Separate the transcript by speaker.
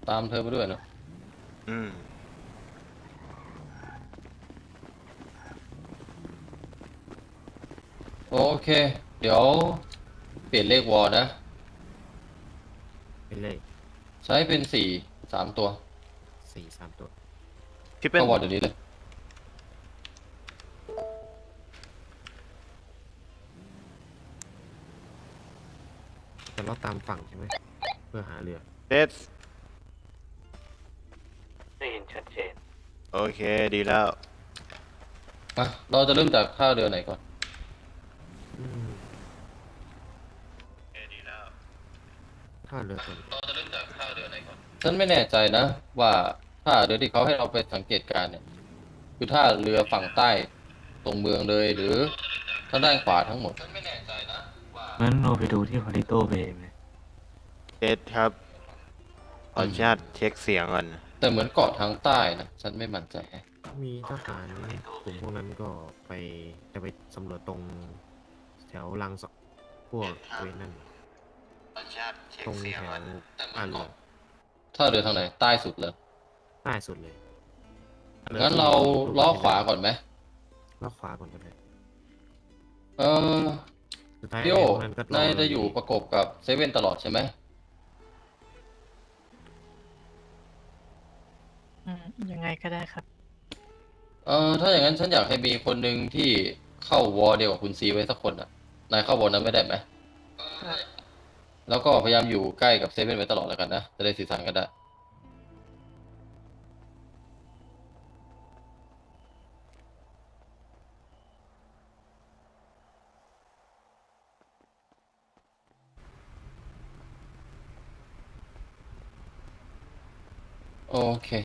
Speaker 1: ตามเธอไปด้วยเนอะ
Speaker 2: อืม
Speaker 1: โอเคเดี๋ยวเปลี่ยนเลขวอลนะ
Speaker 3: เป็นเลย
Speaker 1: ใช้เป็นสามตัว
Speaker 3: 4 3 ตัว
Speaker 2: พี่เป็น
Speaker 1: เข้าวอลเดี๋ยวนี้เลย
Speaker 3: จะลอดตามฝั่งใช่ไหมเพื่อหาเรือ
Speaker 2: เด็ด
Speaker 4: ได้เห็นชัดเจน
Speaker 2: โอเคดีแล้ว
Speaker 1: อ่ะเราจะเริ่มจากท่าเรือไหนก่อน
Speaker 3: อืม
Speaker 2: ดีแล้ว
Speaker 3: ท่าเรือตัวนี้
Speaker 1: ฉันไม่แน่ใจนะว่าท่าเรือที่เขาให้เราไปสังเกตการณ์เนี่ยคือท่าเรือฝั่งใต้ตรงเมืองเลยหรือทางด้านขวาทั้งหมดฉันไม่แน่ใจนะว่า
Speaker 4: งั้นเราไปดูที่พาริโตเบย์ไหม
Speaker 2: เด็ดครับขออนุญาตเช็คเสียงก่อน
Speaker 1: แต่เหมือนเกาะทางใต้นะฉันไม่มั่นใจแฮะ
Speaker 3: มีทหารกลุ่มพวกนั้นก็ไปจะไปสำรวจตรงแถวลังสพวกเวนนั่นตรงแถวท่าเรือ
Speaker 1: ท่าเรือทางไหนใต้สุดเลย
Speaker 3: ใต้สุดเลย
Speaker 1: งั้นเราล้อขวาก่อนไหม
Speaker 3: ล้อขวาก่อนก็ได้
Speaker 1: เออ
Speaker 3: สุดท้าย
Speaker 1: พี่โอ
Speaker 3: ไอ้พวกนั้นก็รอ
Speaker 1: นาย
Speaker 3: เราอยู่ดี
Speaker 1: จะอยู่ประกบกับเซเว่นตลอดใช่ไหม
Speaker 5: ยังไงก็ได้ครับ
Speaker 1: ถ้าอย่างนั้นฉันอยากให้มีคนหนึ่งที่เข้าวอลเดียวกับคุณซีไว้สักคนอ่ะนายเข้าวอลนั้นไม่ได้ไหมแล้วก็พยายามอยู่ใกล้กับเซเว่นไว้ตลอดแล้วกันนะจะได้สื่อสารกันได้โอเค